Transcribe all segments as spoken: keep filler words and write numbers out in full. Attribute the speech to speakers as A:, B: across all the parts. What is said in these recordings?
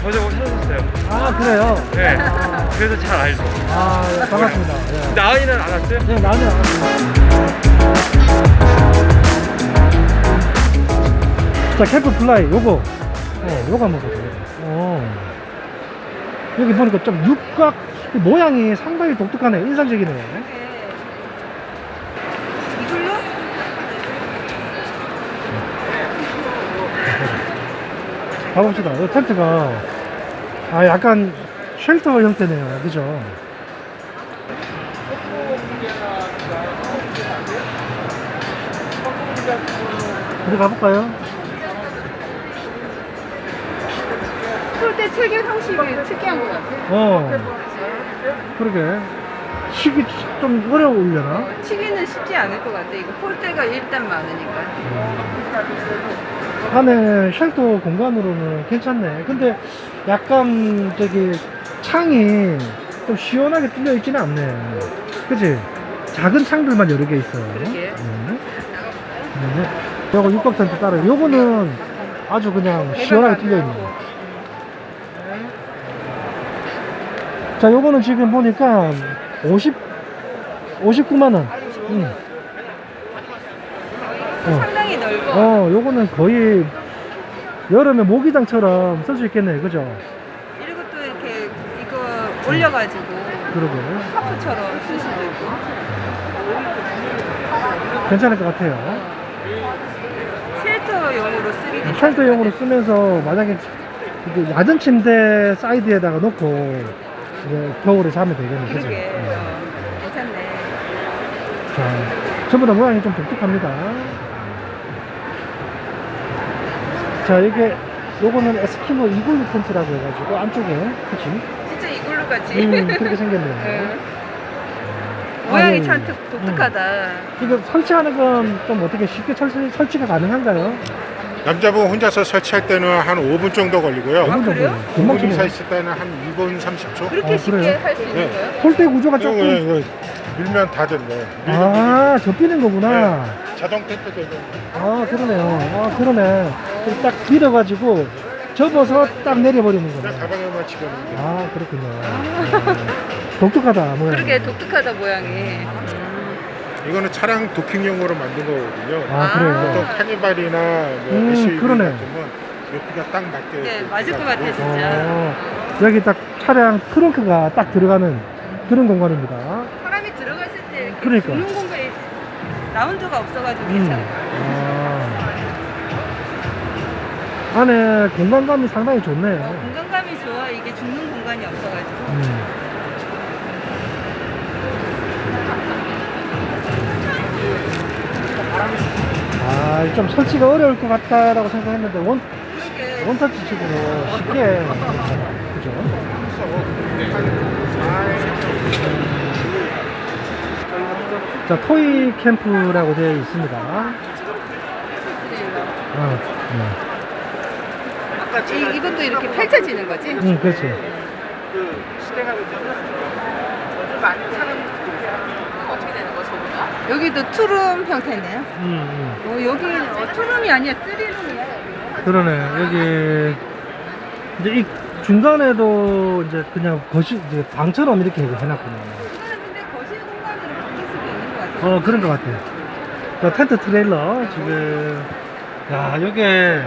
A: 저저거 찾았어요.
B: 아, 그래요?
A: 네.
B: 아,
A: 그래서 잘 알죠.
B: 아, 예, 반갑습니다. 예.
A: 나은이는 안 왔어요?
B: 네, 나는 안 왔습니다. 자, 캠프 플라이, 요거. 어, 요거 한번 보세요. 어. 여기 보니까 좀 육각 모양이 상당히 독특하네요. 인상적이네요.
C: 이걸로?
B: 가봅시다. 이 텐트가 아 약간 쉘터 형태네요. 그죠? 우리 가볼까요?
C: 폴대 체계 형식이 특이한 것 같아.
B: 어, 그러게. 치기 좀 어려우려나?
C: 치기는 쉽지 않을 것 같아. 이거 폴대가 일단 많으니까.
B: 안에 쉘터 공간으로는 괜찮네. 근데 약간 저기 창이 좀 시원하게 뚫려 있지는 않네. 그치? 작은 창들만 여러 개 있어요.
C: 그러게.
B: 네. 네. 요거 육각 텐트 따로. 요거는 아주 그냥 시원하게 뚫려 있네. 자, 요거는 지금 보니까 오십, 오십구만 원. 응. 어.
C: 상당히 넓어.
B: 어, 요거는 거의 여름에 모기장처럼 쓸 수 있겠네, 그죠?
C: 이리고 또 이렇게 이거 올려가지고
B: 그러게.
C: 카프처럼 쓸 수도 있고.
B: 괜찮을 것 같아요.
C: 쉘터용으로 쓰기도
B: 쉘터용으로 쓰면서 만약에 그 얕은 침대 사이드에다가 놓고 이제 겨울에 자면 되겠네, 그죠?
C: 그러게.
B: 네.
C: 어, 괜찮네.
B: 자, 전부 다 모양이 좀 독특합니다. 자, 이게 요거는 에스키모 이글루 텐트라고 해가지고 안쪽에, 그치?
C: 진짜 이걸로 같이.
B: 음, 그렇게 생겼네요.
C: 응. 모양이
B: 아니,
C: 참 독- 독특하다.
B: 이거 설치하는 건 좀 어떻게 쉽게 설치, 설치가 가능한가요?
D: 남자분 혼자서 설치할 때는 한 오 분 정도 걸리고요.
C: 아, 그래요?
B: 금방
D: 둘이서
B: 치네요.
D: 있을 때는 한 이 분 삼십 초.
C: 그렇게
B: 아,
C: 쉽게
B: 그래요?
C: 할 수 있는
D: 네.
C: 거예요?
B: 폴대 구조가
D: 이거,
B: 조금
D: 이거 밀면 다 됐네.
B: 아 접히는 거구나.
D: 네. 자동 텐트 되고.
B: 아 그러네요. 아 그러네. 이렇게 딱 밀어가지고 접어서 딱 내려버리는 거네.
D: 가방에만 집어넣는 거.
B: 아 그렇군요. 아, 독특하다 모양.
C: 그러게 독특하다 모양이.
D: 이거는 차량 도킹용으로 만든 거거든요.
B: 아
C: 아.
B: 그래요.
D: 보통 카니발이나 뭐
B: 음,
D: 에스유브이
B: 그러네.
D: 같으면 여기가 딱 맞게.
C: 네,
D: 이렇게
C: 맞을 것 같아
D: 해가지고.
C: 진짜.
B: 어, 여기 딱 차량 트렁크가 딱 들어가는 그런 공간입니다.
C: 사람이 들어갔을 때 이렇게
B: 그러니까.
C: 죽는 공간에 라운드가 없어가지고
B: 음.
C: 괜찮아요.
B: 아. 안에 공간감이 상당히 좋네요.
C: 공간감이 좋아. 이게 죽는 공간이 없어가지고.
B: 음. 아, 좀 설치가 어려울 것 같다라고 생각했는데 원,
C: 그러게.
B: 원터치 식으로 쉽게 그죠? 자, 토이 캠프라고 되어 있습니다. 어,
C: 이, 이것도 이렇게 펼쳐지는 거지?
B: 네. 음, 그렇지.
C: 여기도 투룸 형태네요.
B: 음, 음.
C: 어, 여기 투룸이 아니야, 쓰리룸이야.
B: 그러네. 여기 이제 이 중간에도 이제 그냥 거실 이제 방처럼 이렇게 해놨구나.
C: 이거는 근데 거실 공간으로 바뀔 수도 있는 것 같아요.
B: 어, 그런 것 같아요. 자, 텐트 트레일러 지금 야, 요게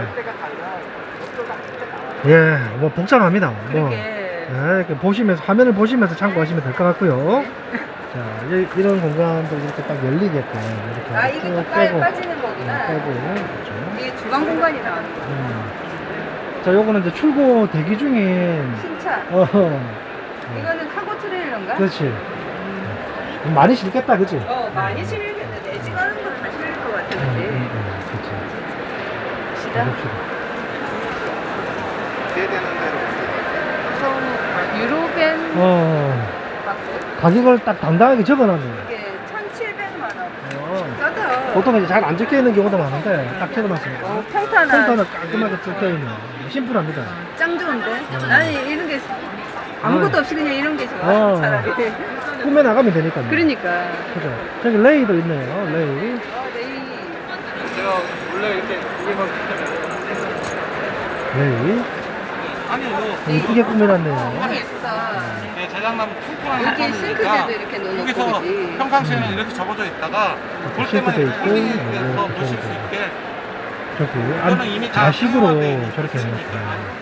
B: 예, 뭐 복잡합니다. 뭐
C: 그러게.
B: 예, 이렇게 보시면서 화면을 보시면서 참고하시면 될 것 같고요. 자, 이, 이런 공간도 이렇게 딱 열리게끔 이렇게
C: 아, 이것도
B: 쭉
C: 빠,
B: 빼고
C: 빠지는 거구나.
B: 빼고 그렇죠.
C: 이게 주방 공간이 나오는 거.
B: 음. 자, 요거는 이제 출고 대기 중인
C: 신차.
B: 어,
C: 이거는 카고 트레일러인가?
B: 그렇지. 음, 많이 실겠다, 그치?
C: 어, 많이 실리겠는데 애지가는 거 다 실릴 것 같아,
B: 음,
C: 근데.
B: 음, 음, 그치.
C: 시다.
B: 해봅시다.
C: 유로벤
B: 어,
C: 박스.
B: 가격을 딱 당당하게 적어놨네.
C: 이게 천칠백만 원.
B: 어.
C: 싸다.
B: 보통 이제 잘 안 적혀 있는 경우도 많은데 딱 적어놨습니다.
C: 어, 평탄한.
B: 평탄은 깔끔하게 적혀 있는 심플합니다.
C: 짱 좋은데?
B: 음.
C: 나는 이런 게 아무것도 없이 그냥 이런 게 좋아.
B: 어.
C: 차라리.
B: 꾸며 나가면 되니까요.
C: 그러니까.
B: 그죠. 저기 레이도 있네요. 레이.
C: 어, 네.
B: 레이.
C: 아니
B: 이쁘게 꾸며놨네요.
C: 너무 예쁘다.
A: 예, 자작나무 퉁퉁한
C: 여기
A: 나무니까
C: 싱크대도 이렇게 넣어놓고
A: 여기서
C: 그지.
A: 평상시에는 이렇게 접어져 있다가 볼 때만
B: 싱크대
A: 이렇게
B: 있고,
A: 홀링해서
B: 네,
A: 보실 수
B: 그렇죠.
A: 있게
B: 저기
A: 이거는 이미
B: 안,
A: 다
B: 자식으로
A: 사용화돼 있는
B: 저렇게
A: 기술이니까.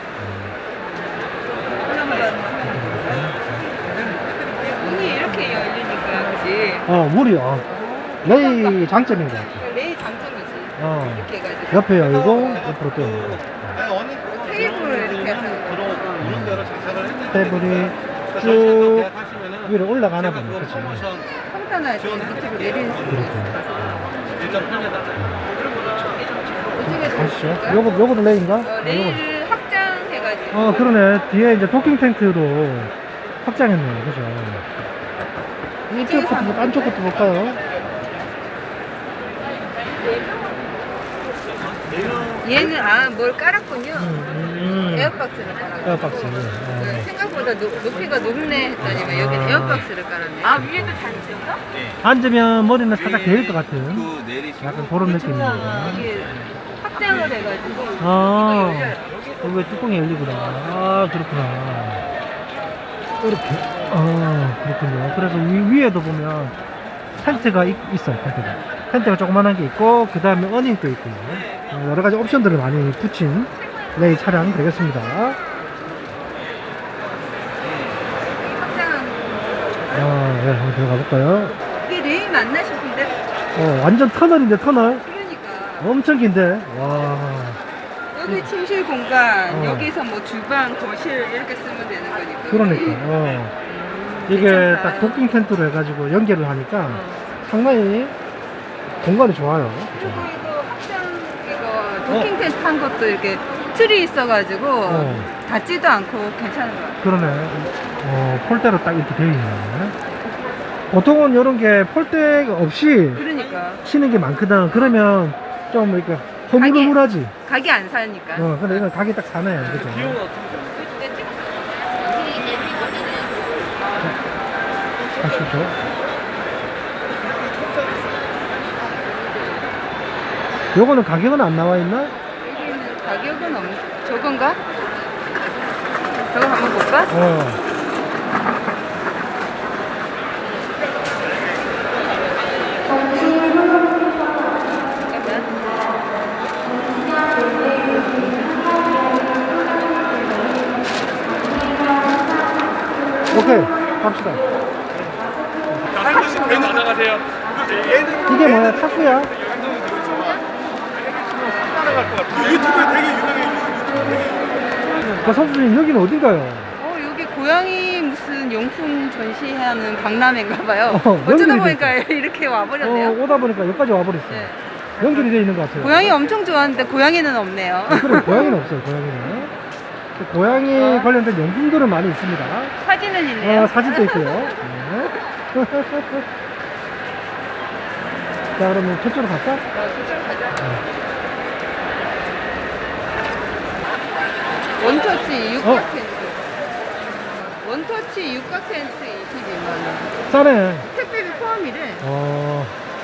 C: 문이 이렇게 열리니까 그지.
B: 어 물이 어, 레이 장점인 것 같아.
C: 레이 장점이지.
B: 어.
C: 이렇게 해가지고.
B: 옆에 열고 옆으로 또 열고.
C: 테이블 이렇게 해서.
A: 들어오는 대로 장착을 했는데
B: 테이블이
A: 저희하고
B: 쭉
A: 계약하시면은
B: 위로 올라가나
A: 제가
B: 보네.
A: 그
B: 그치?
A: 프로모션
C: 평탄할 때 밑으로 내리는 수도
B: 이렇게.
C: 있어.
A: 일 점 팔 미터
C: 이쪽에서
B: 가시죠.
C: 볼까요?
B: 요거 요거도 레이인가?
C: 어,
B: 아, 요거.
C: 레일을 확장해가지고.
B: 어 그러네. 뒤에 이제 도킹 텐트로 확장했네요. 그죠? 이쪽부터 볼- 안쪽부터 볼까요?
C: 얘는 아 뭘 깔았군요.
B: 음, 음.
C: 에어박스를 깔았고.
B: 에어박스.
C: 네,
B: 어.
C: 생각보다 높, 높이가 높네 했더니만 여기
B: 아.
C: 에어박스를 깔았네. 아 위에도 단체인가?
B: 앉으면 머리는 살짝 데일 것 같은
A: 그 내리시고
B: 약간 그런 느낌입니다.
C: 이게 확장을 해가지고
B: 아,
C: 이거 열려요.
B: 여기 왜 뚜껑이 열리구나. 아, 그렇구나. 이렇게. 아, 그렇군요. 그래서 위, 위에도 보면 텐트가 있, 있어요, 텐트가. 텐트가 조그만한 게 있고, 그 다음에 어닝도 있고요. 어, 여러 가지 옵션들을 많이 붙인 레이 차량 되겠습니다.
C: 확장한
B: 아, 네, 한번 들어가 볼까요?
C: 이게 레일 맞나 싶은데.
B: 어, 완전 터널인데, 터널.
C: 그러니까
B: 엄청 긴데. 와.
C: 여기 침실 공간,
B: 어.
C: 여기서 뭐 주방, 거실 이렇게 쓰면 되는 거니까.
B: 그러니까. 어. 이게
C: 괜찮다.
B: 딱 도킹 텐트로 해가지고 연결을 하니까
C: 어.
B: 상당히 공간이 좋아요.
C: 그리고 이거 확장 이거 도킹 텐트 한 것도 이렇게 틀이 있어가지고
B: 어.
C: 닿지도 않고 괜찮은 것 같아요.
B: 그러네. 어, 폴대로 딱 이렇게 되어 있네. 보통은 이런 게 폴대 없이
C: 그러니까
B: 치는 게 많거든. 그러면 좀 이렇게 허물허물하지.
C: 각이 안 사니까.
B: 어, 근데 이건 각이 딱 사네. 그죠? 가시죠. 요거는 가격은 안 나와 있나?
C: 여기는 가격은 없 저건가? 저거 한번 볼까?
B: 어. 오케이, 갑시다.
A: 나가세요.
B: 이게 뭐야? 탁구야?
A: 유튜브에 되게 유명해요.
B: 그 선수님 여기는 어딘가요?
C: 어 여기 고양이 무슨 용품 전시하는 박람회인가봐요.
B: 어,
C: 어쩌다
B: 연결이
C: 보니까 이렇게 와버렸네요.
B: 어, 오다 보니까 여기까지 와버렸어.
C: 네.
B: 연결이 되어 있는 것 같아요.
C: 고양이 엄청 좋아하는데 고양이는 없네요.
B: 아, 그래, 고양이는 없어요, 고양이는. 그 고양이
C: 어.
B: 관련된 용품들은 많이 있습니다.
C: 사진은 있네요.
B: 어, 사진도 있고요. 네. 자, 그러면 저쪽으로 갈까?
C: 어, 저쪽으로 가자. 원터치 육각
B: 어.
C: 텐트. 원터치 육각 텐트 이십이만 원.
B: 싸네.
C: 택배비 포함이래.
B: 어.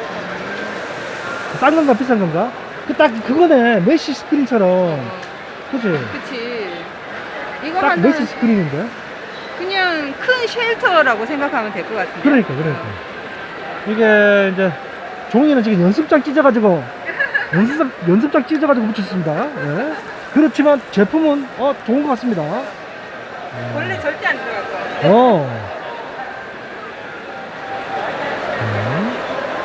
B: 싼 건가, 비싼 건가? 그 딱 그거네. 메쉬 스크린처럼. 그치?
C: 그치. 이거
B: 딱
C: 하나
B: 메쉬 스크린인데?
C: 그냥 큰 쉘터라고 생각하면 될 것 같은데.
B: 그러니까, 그러니까. 이게 이제 종이는 지금 연습장 찢어가지고 연습장, 연습장 찢어가지고 붙였습니다. 예. 그렇지만 제품은 어 좋은 것 같습니다.
C: 원래 절대 안 들어갈 거야.
B: 어. 음.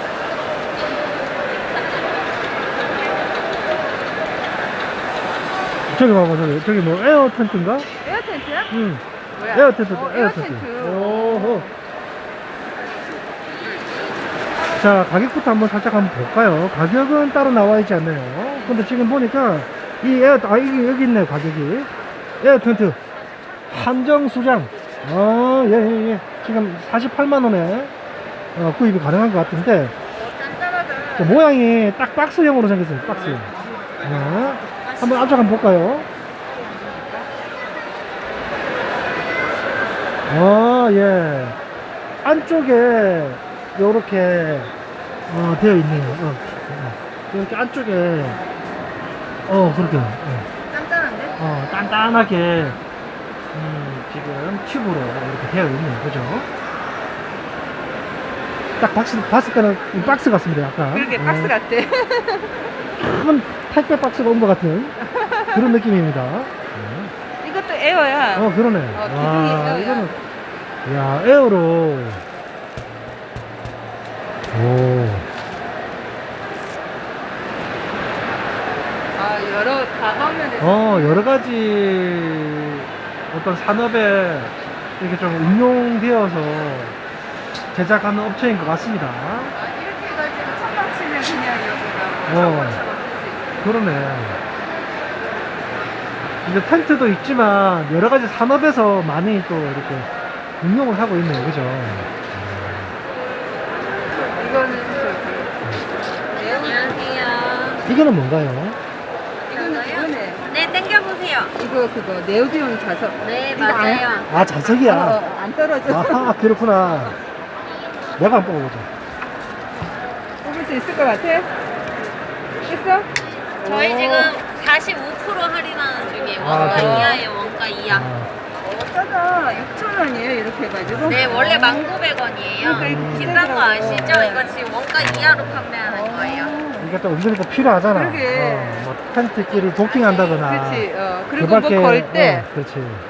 B: 저기 봐봐, 저기 저기 뭐 에어 텐트인가?
C: 에어 텐트야?
B: 응.
C: 뭐야?
B: 에어 텐트,
C: 어,
B: 에어
C: 에어
B: 텐트.
C: 텐트.
B: 오호. 자, 가격부터 한번 살짝 한번 볼까요? 가격은 따로 나와 있지 않네요. 근데 지금 보니까 이 에어, 아, 여기, 여기 있네, 가격이. 에어 텐트. 한정 수장. 아, 예, 예, 예. 지금 사십팔만 원에 어, 구입이 가능한 것 같은데,
C: 짠짠하다.
B: 그 모양이 딱 박스형으로 생겼어요, 박스형. 네. 한번 안쪽 한번 볼까요? 아, 예. 안쪽에 요렇게 어, 되어 있네요. 어, 어. 이렇게 안쪽에 어 그렇게 어,
C: 짠짠한데?
B: 어, 단단하게 음, 지금 튜브로 이렇게 되어 있네요. 그죠? 딱 박스, 봤을 때는 이 박스 같습니다. 약간.
C: 그렇게
B: 어,
C: 박스 같아.
B: 큰 택배 박스가 온 것 같은 그런 느낌입니다. 네.
C: 이것도 에어야.
B: 어, 그러네.
C: 어, 기둥이
B: 와,
C: 에어야.
B: 이거는, 야, 에어로. 오.
C: 아, 여러 다방면에서.
B: 어, 여러 가지 어떤 산업에 이렇게 좀 응용되어서 제작하는 업체인 것 같습니다.
C: 아, 이렇게 해가지고 천막 치면 그냥 여기가
B: 어.
C: 천막처럼 쓸 수 있고.
B: 그러네. 이제 텐트도 있지만 여러 가지 산업에서 많이 또 이렇게 응용을 하고 있네요. 그죠?
C: 이거는 저기.
E: 안녕하세요.
B: 이거는 뭔가요?
C: 이거는 이거네.
E: 네, 땡겨보세요.
C: 이거 그거 네오디온 자석.
E: 네,
C: 이거 안-
E: 맞아요.
B: 아, 자석이야.
C: 어, 어, 안 떨어져.
B: 아, 그렇구나. 내가 한번 뽑아보자.
C: 뽑을 수 있을 것 같아? 있어?
E: 저희
C: 오.
E: 지금 사십오 퍼센트 할인하는 중이에요.
B: 아,
E: 원가
B: 그래요?
E: 이하예요, 원가 이하.
B: 아,
C: 어, 싸다. 육천 원이에요, 이렇게 해가지고.
E: 네, 원래 만 구백 원이에요.
C: 그러니까 이렇게
E: 비싼 거 아시죠?
C: 비싸더라고요.
E: 이거 지금 원가 이하로 판매하는 거예요.
B: 이게 또 은근히 또 필요하잖아.
C: 그러게.
B: 어, 뭐 텐트끼리 도킹한다거나.
C: 그렇지. 어.
B: 그
C: 그리고 뭐
B: 밖에,
C: 걸 때.
B: 어, 그렇지. 음.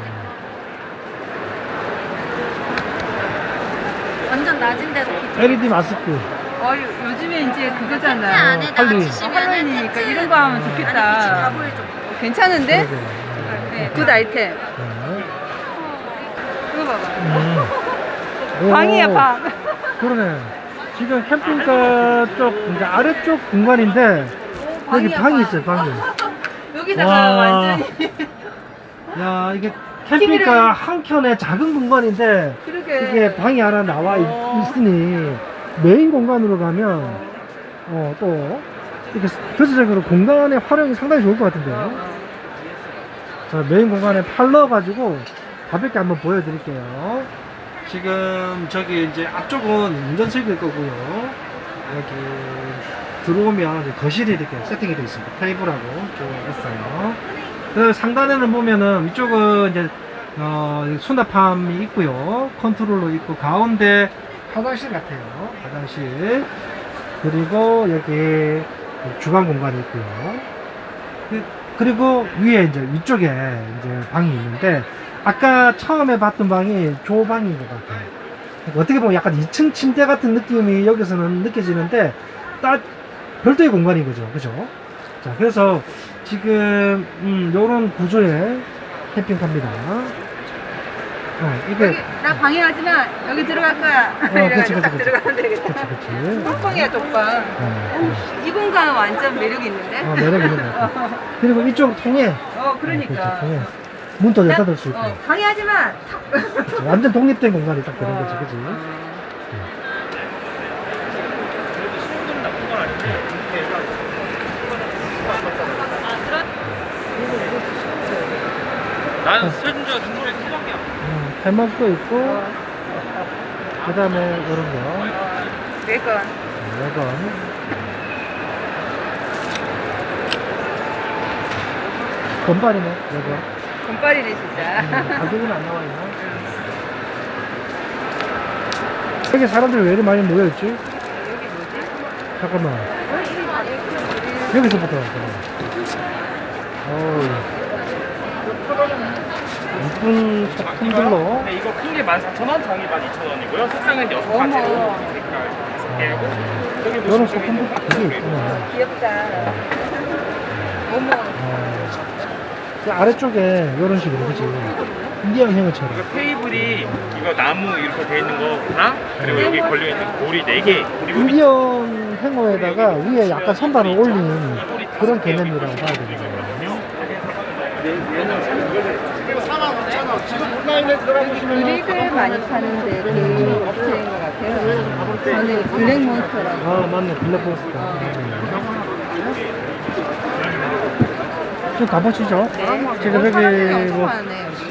E: 완전 낮은데도 기분.
B: 엘이디 마스크.
C: 어, 요- 요즘에 이제
E: 텐트
C: 그거잖아.
E: 안에다가
B: 할리.
E: 치시면
C: 할로윈이니까 이런 거 하면 좋겠다.
E: 안에 빛이 다 보일 정도.
C: 괜찮은데?
B: 그러게.
C: 네, 굿 아이템.
B: 네.
C: 이거 봐봐.
B: 음.
C: 방이야,
B: 오,
C: 방.
B: 그러네. 지금 캠핑카 쪽, 그러니까 아래쪽 공간인데, 여기
C: 방이야,
B: 방이
C: 방.
B: 있어요, 방이.
C: 여기다가
B: 와.
C: 완전히.
B: 야, 이게 캠핑카 한 켠에 작은 공간인데,
C: 그러게.
B: 이게 방이 하나 나와 있,
C: 어.
B: 있으니, 메인 공간으로 가면, 어, 또, 이렇게 전체적으로 공간의 활용이 상당히 좋을 것 같은데요.
C: 어.
B: 자, 메인 공간에 팔러가지고 가볍게 한번 보여드릴게요. 지금 저기 이제 앞쪽은 운전석일 거고요. 여기 들어오면 이제 거실이 이렇게 세팅이 되어 있습니다. 테이블하고 쭉 있어요. 그 상단에는 보면은 이쪽은 이제 어, 수납함이 있고요. 컨트롤러 있고 가운데 화장실 같아요. 화장실. 그리고 여기 주방 공간이 있고요. 그, 그리고 위에 이제 위쪽에 이제 방이 있는데 아까 처음에 봤던 방이 조방인 것 같아요. 그러니까 어떻게 보면 약간 이 층 침대 같은 느낌이 여기서는 느껴지는데 딱 별도의 공간인 거죠. 그죠? 자, 그래서 지금 음, 요런 구조의 캠핑카입니다. 어, 이게
C: 여기, 나 방해하지 마. 여기 들어갈 거야.
B: 어,
C: 이래가지고
B: 그치, 그치,
C: 딱
B: 그치.
C: 들어가면 되겠다.
B: 그치 그치.
C: 톡방이야, 톡방.
B: 어,
C: 이 공간 완전 매력 있는데?
B: 어, 매력 있는 것 같아요. 그리고 이쪽 통에
C: 어, 그러니까.
B: 통에 문도 열다 닫을 수 있고
C: 어, 방해하지 마. 탁.
B: 완전 독립된 공간이 딱 되는 거지, 그치?
A: 나는 설준주가 중국에 수박이야.
B: 음, 탈막도 있고,
C: 어,
B: 그 다음에 이런 거,
C: 매건.
B: 레건. 건발이네, 레건.
C: 금발이네,
B: 음,
C: 진짜.
B: 가격은 안 나와 있나? 여기 사람들이 왜 이렇게 많이 모여있지?
C: 여기 뭐지?
B: 잠깐만.
C: 어, 이리 봐, 여기.
B: 여기서부터. 어우. 이쁜 소품들로.
A: 네, 이거 큰 게 만 사천 원, 작은 게 만 이천 원이고요. 색상은 여섯
C: 어머.
A: 가지로 색깔 다섯 개고. 여기
B: 이런
A: 보시면
B: 소품도 되게 있구나.
C: 귀엽다. 어머.
B: 어, 그 아래쪽에 이런 식으로, 그치? 인디언 행어처럼.
A: 이거 테이블이 이거 나무 이렇게 돼 있는 거랑 그리고 여기 걸려 있는 고리 네 개. 그리고 밑-
B: 인디언 행어에다가 위에 약간 선반을 올린 그런 개념이라고 봐야 되거든요.
C: 그릭을 많이 파는데 그 업체인 것 같아요. 저는 블랙몬스터라고.
B: 아, 맞네. 블랙버스터. 좀 가보시죠. 지금 여기 뭐
C: 많네, 여기.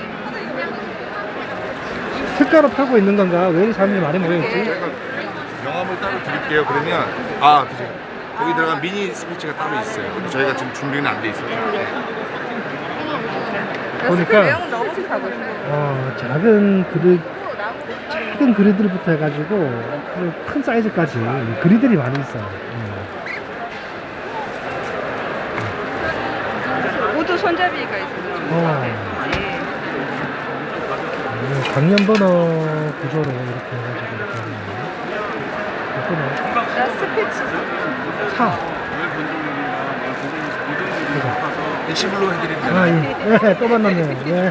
B: 특가로 팔고 있는 건가? 왜 이렇게 사람들이 많이 모여있지?
F: 명함을 따로 드릴게요. 그러면 아 그죠. 거기 들어간 미니 스피치가 따로 있어요. 근데 저희가 지금 준비는 안 돼 있어요.
B: 보니까
C: 외형 너무 하고 싶어.
B: 어, 작은 그릇, 작은 그릇들부터 해가지고 큰 사이즈까지 그릇들이 많이 있어. 음.
C: 우드 손잡이가 있어서
B: 어. 음, 강연 번호 구조로 이렇게 해가지고 이렇게 하네요. 예쁘네.
C: 나 스피치.
B: 사.
F: 일시불로 해드립니다.
B: 아, 예. 예, 또 만났네. 예.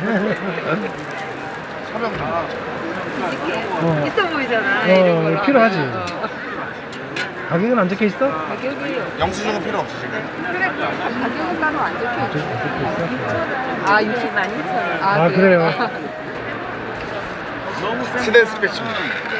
B: 어,
C: 있어 보이잖아.
B: 어,
C: 이런 걸로
B: 필요하지.
C: 하면. 어.
B: 가격은 안 적혀 있어?
C: 가격이
F: 영수증은 필요 없으신가요?
C: 그래 가격은 따로 안 적혀
B: 적-
C: 있어.
B: 적혀 있어?
C: 아 육십만 이천 원.
B: 아, 그래요?
F: 스댄 스패치입니다.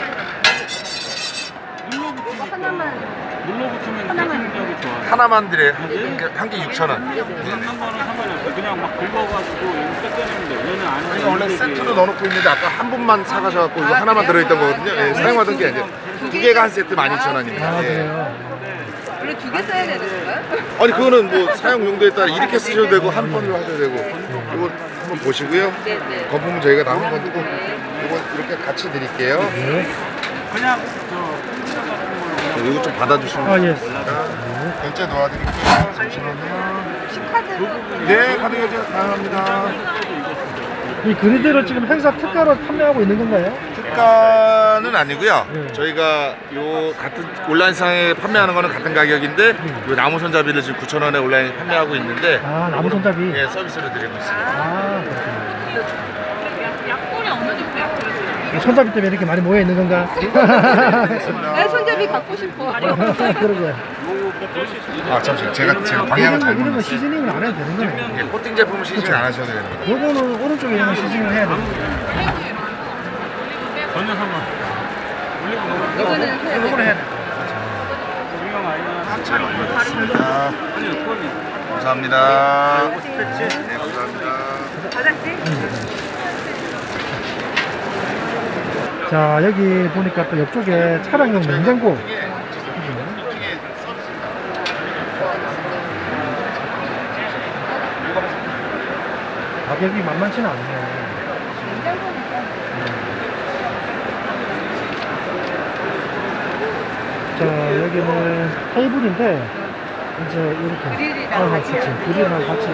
C: 하나만
A: 눌러 붙이면
C: 하나만.
A: 대중력이 좋아요.
F: 하나만 드려 한 개 육천 원.
A: 한 거는 상관없어요. 그냥 막 긁어가지고 여기 뜯어내면 돼. 얘는 안에
F: 저희가 원래 세트로 넣어놓고 있는데 아까 한 분만 사가셔갖고 이거 하나만 들어있던 거거든요. 예, 사용하던 게 아니에요. 두 개가 한 세트 만 이천 원입니다.
B: 아,
F: 예.
B: 그래요?
C: 원래 두 개 써야 되는 건가요?
F: 아니 그거는 뭐 사용 용도에 따라 이렇게 쓰셔도 되고 한 번으로 하셔도 되고 이거 한번 보시고요.
C: 네네.
F: 거품은 저희가 남은 건 뜨고 이거 이렇게 같이 드릴게요.
B: 네.
A: 그냥 저
F: 이거 좀 받아주시면
B: 아, 예.
F: 결제 도와드릴게요. 잠시만요. 네, 카드 결제 가능합니다.
B: 이 그리드를 지금 행사 특가로 판매하고 있는 건가요?
F: 특가는 아니고요.
B: 네.
F: 저희가 요 같은 온라인상에 판매하는 거는 같은 가격인데 요 나무 손잡이를 지금 구천 원에 온라인 판매하고 있는데
B: 아, 나무 손잡이.
F: 예, 서비스로 드리고 있습니다.
B: 아, 그렇군요. 이 손잡이 때문에 이렇게 많이 모여 있는 건가?
C: 나 손잡이 갖고 싶어.
B: 그러게.
F: 아, 잠시만요. 제가 제가 방향을
B: 이런 거,
F: 잘못
B: 이런 거
F: 놨어요.
B: 시즈닝을 안 해도 되는 거네.
F: 예, 코팅 제품은 시즌 안 하셔도 됩니다.
B: 요거는 오른쪽에 있는 시즈닝을 해야 되는 거예요.
A: 전혀 상관.
C: 이거는 해야 돼.
B: 요거는 해야 돼.
A: 유형 아니면
F: 잘 올려드렸습니다.
A: 아니 그거는
F: 감사합니다. 네, 감사합니다.
C: 받았지?
B: 자, 여기 보니까 또 옆쪽에 차량용 냉장고. 가격이 만만치는 않네요. 자, 여기는 테이블인데, 이제 이렇게.
C: 그릴이랑
B: 아,
C: 같이
B: 그치.
C: 이렇게.
B: 그릴이랑 같이.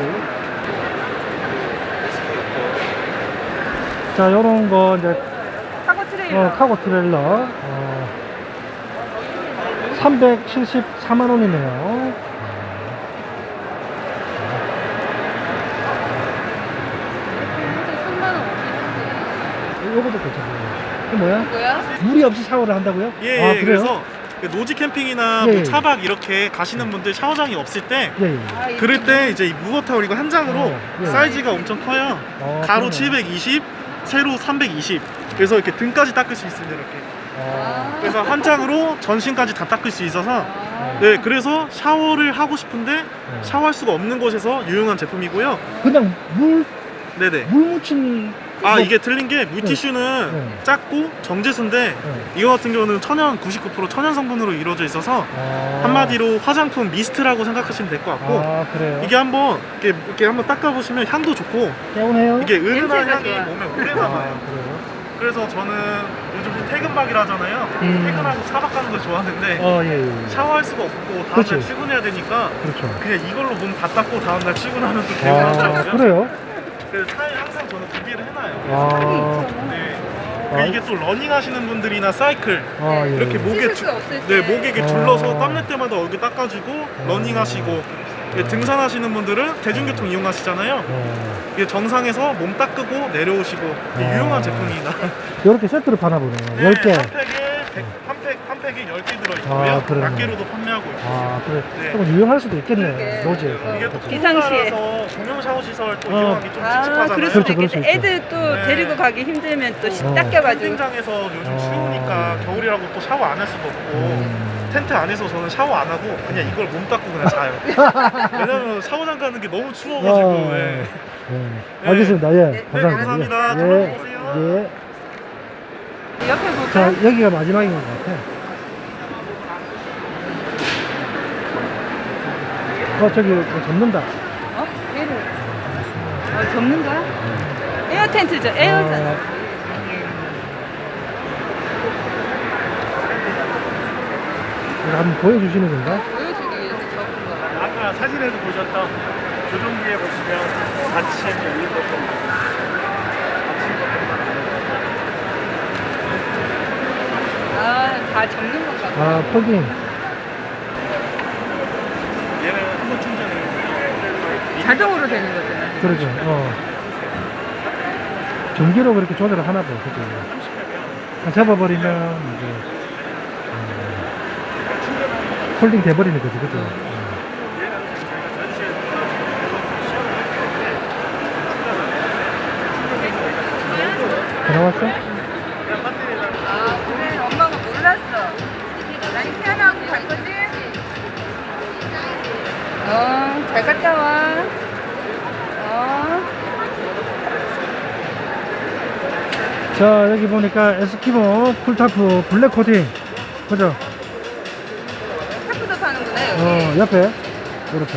B: 자, 요런 거, 이제,
C: 카고 트레일러.
B: 어, 카고 트레일러. 어, 삼백칠십사만 원이네요.
C: 삼만 원 없는데.
B: 요것도 괜찮아요. 이게 뭐야?
C: 뭐야?
B: 물이 없이 샤워를 한다고요?
G: 예,
B: 아,
G: 예.
B: 그래요?
G: 그래서 그 노지 캠핑이나
B: 예,
G: 뭐
B: 예.
G: 차박 이렇게 가시는 분들 샤워장이 없을 때
B: 예, 예.
C: 아, 이거
G: 그럴 때 이제 이 무거타올 이거 한 장으로
B: 어, 예.
G: 사이즈가 엄청 커요.
B: 어,
G: 가로
B: 그러네.
G: 칠백이십, 세로 삼백이십. 그래서 이렇게 등까지 닦을 수 있습니다. 이렇게.
B: 어,
G: 그래서 한 장으로 전신까지 다 닦을 수 있어서
C: 아.
G: 네, 그래서 샤워를 하고 싶은데
B: 네.
G: 샤워할 수가 없는 곳에서 유용한 제품이고요.
B: 그냥 물,
G: 네네.
B: 물 묻힌.
G: 아
B: 뭐-
G: 이게 틀린 게 뮤티슈는
B: 네.
G: 작고 정제수인데
B: 네.
G: 이거 같은 경우는 천연 구십구 퍼센트 천연 성분으로 이루어져 있어서
B: 아.
G: 한마디로 화장품 미스트라고 생각하시면 될 것 같고
B: 아, 그래요?
G: 이게 한번 이렇게, 이렇게 한번 닦아보시면 향도 좋고
B: 개운해요?
G: 이게 은은한
C: 냄새가
G: 향이
C: 좋아.
G: 몸에 오래
B: 아,
G: 남아요.
B: 그래요?
G: 그래서 저는 요즘 퇴근박이라 하잖아요.
B: 음.
G: 퇴근하고 차박 가는 거 좋아하는데
B: 어, 예, 예.
G: 샤워할 수가 없고 다음날
B: 그치.
G: 출근해야 되니까
B: 그렇죠.
G: 그냥 이걸로 몸 다 닦고 다음날 출근하면 또
B: 아,
G: 개운하더라고요.
B: 그래요?
G: 그래서 차에 항상 저는 구비를 해놔요.
B: 아,
G: 네.
B: 아.
G: 그 이게 또 러닝 하시는 분들이나 사이클
B: 아, 예.
G: 이렇게 목에
C: 씻을
G: 주,
C: 수 없을
G: 네,
C: 때.
G: 목에 이렇게
B: 아.
G: 둘러서 땀낼 때마다 얼굴 닦아주고 러닝 하시고 이게
B: 아.
G: 등산하시는 분들은 대중교통 이용하시잖아요.
B: 어,
G: 이게 정상에서 몸 닦고 내려오시고 이게
B: 아.
G: 유용한 제품입니다.
B: 이렇게 세트로 파나 보네요.
G: 네,
B: 열 개.
G: 한 팩에 백, 한 팩, 한 팩에 열 개 들어있고요.
B: 아, 그러네.
G: 낱개로도 판매하고 있고.
B: 아, 그래.
G: 네.
B: 조금 유용할 수도 있겠네요.
C: 그러게.
B: 노지에서.
G: 이게 또
C: 기상시에.
G: 공공따라서 공용 샤워 시설 또
B: 어.
G: 이용하기 좀
C: 아,
G: 찝찝하잖아요.
C: 그럴
B: 그렇죠,
C: 수도
B: 그럴 수
C: 있겠다.
B: 있죠.
C: 애들 또
G: 네.
C: 데리고 가기 힘들면 또
B: 어.
C: 닦여가지고.
G: 캠핑장에서 요즘
B: 어.
G: 추우니까 겨울이라고 또 샤워 안 할 수도 없고
B: 음.
G: 텐트 안에서 저는 샤워 안 하고 그냥 이걸 몸 닦고 그냥 자요. 왜냐면 샤워장 가는 게 너무 추워가지고.
B: 어,
G: 예.
B: 네. 알겠습니다. 예.
C: 네,
B: 감사합니다.
G: 감사합니다.
B: 예.
G: 들어오세요.
B: 예.
C: 옆에 볼까?
B: 자, 여기가 마지막인 것 같아. 어, 저기 저 접는다.
C: 어? 얘를. 어, 접는 거야? 에어 텐트죠. 에어잖아.
B: 어, 이거 한번 보여주시는 건가?
C: 보여주기 위해서 접은 거야.
G: 아까 사진에서 보셨던 조종기에 보시면 받침 열린 것도
C: 아, 다 접는 건가 봐.
B: 아, 폴딩.
G: 얘는 한 번 충전을
C: 자동으로 되는 거잖아.
B: 그러죠. 어. 전기로 그렇게 조절을 하나 봐. 그죠. 아, 잡아버리면 이제 어, 폴딩 돼버리는 거지. 그죠. 어. 다 나왔어?
C: 아, 그래. 엄마가 몰랐어. 난 태어나고 갈 거지? 어, 잘 갔다 와. 어.
B: 자, 여기 보니까 에스키모 풀타프 블랙 코팅. 그죠?
C: 타프도 파는구나, 여기.
B: 어, 옆에. 이렇게.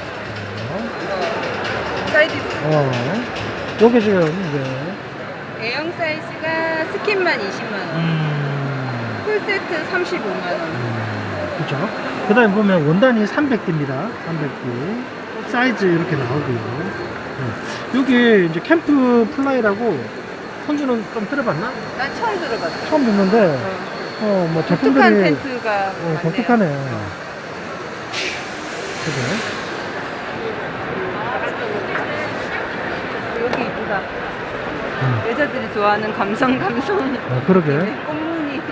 C: 사이즈도.
B: 어. 요게 지금 이제.
C: A형 사이즈가 스킨만 이십만 원.
B: 음.
C: 풀세트 삼십오만 원.
B: 그죠? 그 다음에 보면 원단이 삼백 개입니다. 삼백 개. 사이즈 이렇게 나오고요. 네. 여기 이제 캠프 플라이라고 손주는 좀 들어봤나?
C: 난 처음 들어봤어.
B: 처음 듣는데,
C: 어.
B: 어, 뭐
C: 독특한
B: 제품들이.
C: 텐트가
B: 어,
C: 많네요.
B: 독특하네. 그죠?
C: 여기 이쁘다.
B: 음.
C: 여자들이 좋아하는 감성 감성.
B: 어, 그러게.
C: 꽃무늬.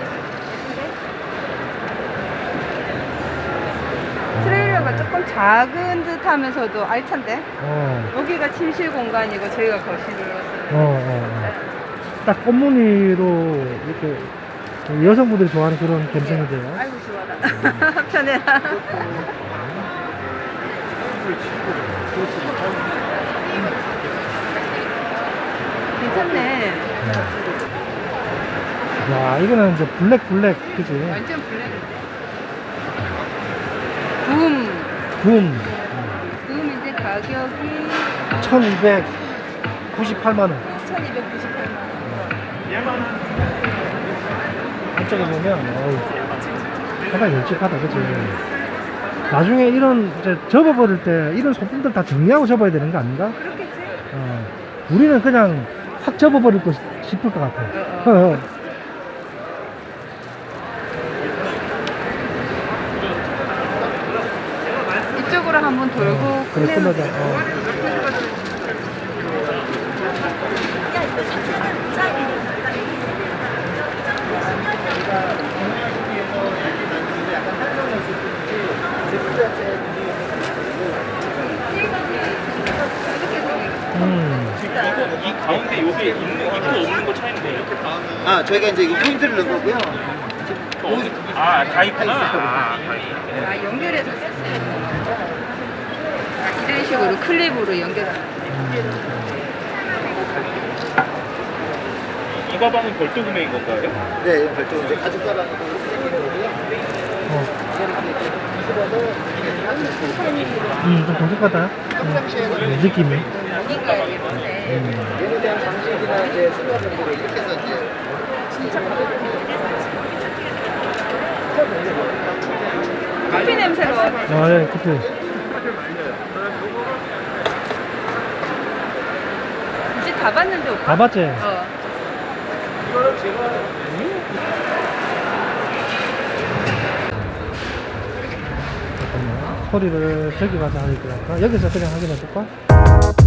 C: 트레일러가 조금 작은 듯 하면서도 알찬데?
B: 어,
C: 여기가 침실 공간이고 저희가 거실을
B: 어, 어. 어. 딱 꽃무늬로 이렇게 여성분들이 좋아하는 그런 감성인데요.
C: 아이고 좋아라. 편해라. 괜찮네.
B: 야, 이거는 이제 블랙 블랙, 그지?
C: 완전 블랙인데. 붐.
B: 붐.
C: 붐인데 가격이
B: 천이백구십팔만 원.
C: 천이백구십팔만 원.
B: 한쪽에 보면, 어우, 상당히 널찍하다, 그치? 나중에 이런, 이제 접어버릴 때, 이런 소품들 다 정리하고 접어야 되는 거 아닌가?
C: 그렇겠지?
B: 어, 우리는 그냥 확 접어버릴 거 싶을 것 같아.
C: 어, 이쪽으로 한번 돌고
B: 그래,
C: 끝내면
B: 끝나자. 어. 음.
A: 이거 이 가운데 요게 있는 있고 없는 거 차이인데.
H: 아, 저희가 이제 이거 포인트를 넣은 거고요.
A: 아, 다 있구나. 아, 다 있.
C: 아, 연결해서 쓸수있는 이런 식으로 클립으로 연결하는
A: 이 가방은 별도 구매인 건가요?
H: 네, 이건 별도 이제 가죽 가방으로 생긴 거고요.
B: 어. 음, 좀 독특하다. 음, 느낌이.
C: 여기가 예쁜데
B: 음.
H: 얘에 대한 장식이나 이제 슬로건들을 이렇게 해서 이제
C: 커피 냄새로
B: 아, 예, 그치.
C: 이제 다 봤는데 오빠?
B: 다 봤지?
C: 어.
B: 잠깐만. 소리를 저기 가서 하니까. 여기서 그냥 확인해 볼까?